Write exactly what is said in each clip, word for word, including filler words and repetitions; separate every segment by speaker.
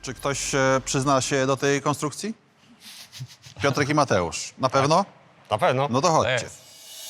Speaker 1: Czy ktoś e, przyzna się do tej konstrukcji? Piotrek i Mateusz. Na pewno?
Speaker 2: Na pewno.
Speaker 1: No to chodźcie.
Speaker 2: jest.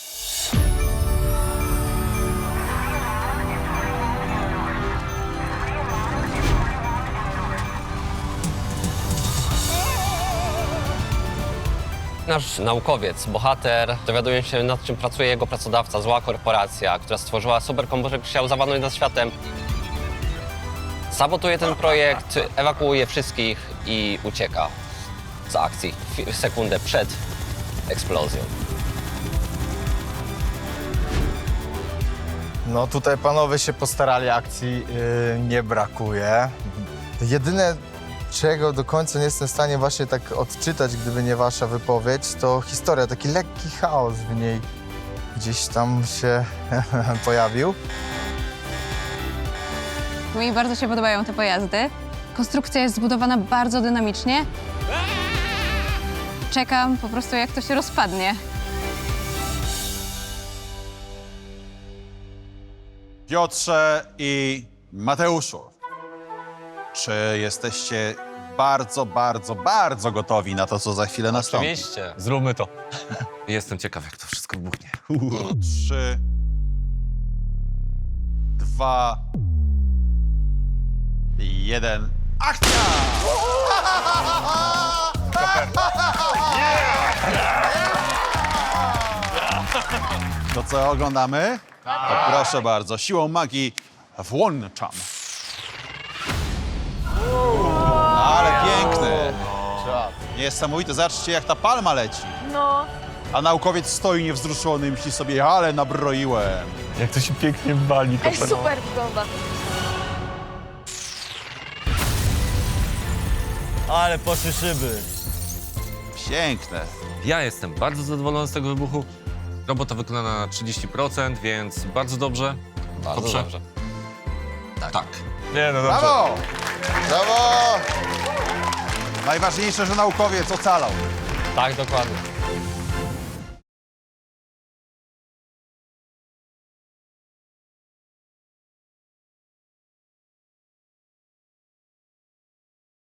Speaker 2: Nasz naukowiec, bohater, dowiaduje się, nad czym pracuje jego pracodawca, zła korporacja, która stworzyła superkomputer, który chciał zawładnąć nad światem. Sabotuje ten projekt, ewakuuje wszystkich i ucieka z akcji fi- sekundę przed eksplozją.
Speaker 3: No tutaj panowie się postarali, akcji yy, nie brakuje. Jedyne, czego do końca nie jestem w stanie właśnie tak odczytać, gdyby nie wasza wypowiedź, to historia, taki lekki chaos w niej gdzieś tam się pojawił.
Speaker 4: Mi bardzo się podobają te pojazdy. Konstrukcja jest zbudowana bardzo dynamicznie. Czekam po prostu, jak to się rozpadnie.
Speaker 1: Piotrze i Mateuszu, czy jesteście bardzo, bardzo, bardzo gotowi na to, co za chwilę nastąpi?
Speaker 2: Oczywiście.
Speaker 5: Zróbmy to. Jestem ciekaw, jak to wszystko wybuchnie.
Speaker 1: Trzy, dwa, jeden, akcja! To co oglądamy? To proszę bardzo, siłą magii włączam. Ale piękne. Niesamowite, zobaczcie jak ta palma leci.
Speaker 6: No.
Speaker 1: A naukowiec stoi niewzruszony i myśli sobie, ale nabroiłem.
Speaker 5: Jak to się pięknie wali.
Speaker 6: Ej, super wygląda.
Speaker 7: Ale poszły szyby.
Speaker 1: Piękne.
Speaker 5: Ja jestem bardzo zadowolony z tego wybuchu. Robota wykonana na trzydzieści procent, więc bardzo dobrze.
Speaker 2: Bardzo
Speaker 5: Dobrze.
Speaker 2: dobrze.
Speaker 5: Tak. Nie, no dobrze.
Speaker 1: Brawo! Brawo! Najważniejsze, że naukowiec ocalał.
Speaker 2: Tak, dokładnie.